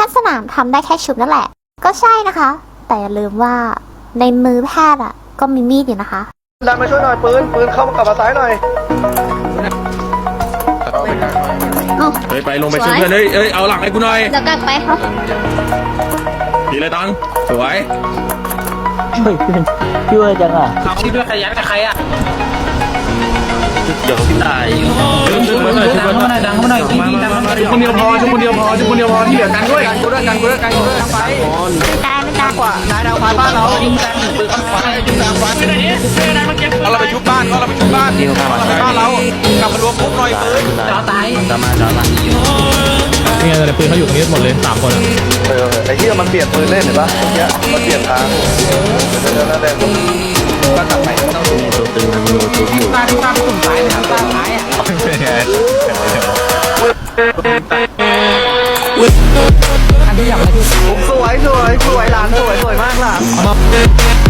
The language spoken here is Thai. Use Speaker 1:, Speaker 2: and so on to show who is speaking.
Speaker 1: ทย์สนามทำได้แค่ชุบนั่นแหละก็ใช่นะคะแต่อย่าลืมว่าในมือแพทย์อ่ะก็มีมีดอยู่นะคะ
Speaker 2: ดันมาช่วยหน่อยปืนเข้ามากลับมาซ้ายหน่อย
Speaker 3: ไปลงไปช่วยเพื่อนเอ้ยเอาหลังให้กูหน่อย
Speaker 4: เดี๋ยวกลับไปครับ
Speaker 3: ทีเลยตังสวย
Speaker 5: ช่วยจังอ่ะ
Speaker 6: เขาที่ด้วยใครยัดกับใครอ่ะ
Speaker 3: เดี๋ยวพี่ตายชุบมาหน่อยชุบมาหน่อย
Speaker 6: ดังมาหน่อยดีดังมาหน่อย
Speaker 3: ชุบคนเดียวพอชุบคนเดียวพอชุบคนเดียวพอที่เหลือกันด้วย
Speaker 2: กันกูด้วยกันไป
Speaker 1: ไม่ได้
Speaker 2: กว่านายดาวพาบ้านเรายิงแรงปืนข้างขวายิงแรงขวาไปไหนเราไปชุบบ้านเราไปชุบบ้านเราไปบ้านเรากลับมารวมปุ๊บหน่อยปืน
Speaker 6: เราตาย
Speaker 5: จอมา
Speaker 7: นี่ไงแต่ปืนเขาอยู่ตรงนี้หมดเลย3 คน
Speaker 2: ไอ้ที่มันเปลี่ยนปืนเล่นเห็นปะเนี้ยมันเปลี่ยนทางแล้วแดงก็ตัดไปต้องดู
Speaker 5: ตัวตึงมันมีตัวอยู่
Speaker 6: ตายตายตุ่มตายตายตายอ่ะ
Speaker 2: สวยหลานสวยมากหลาน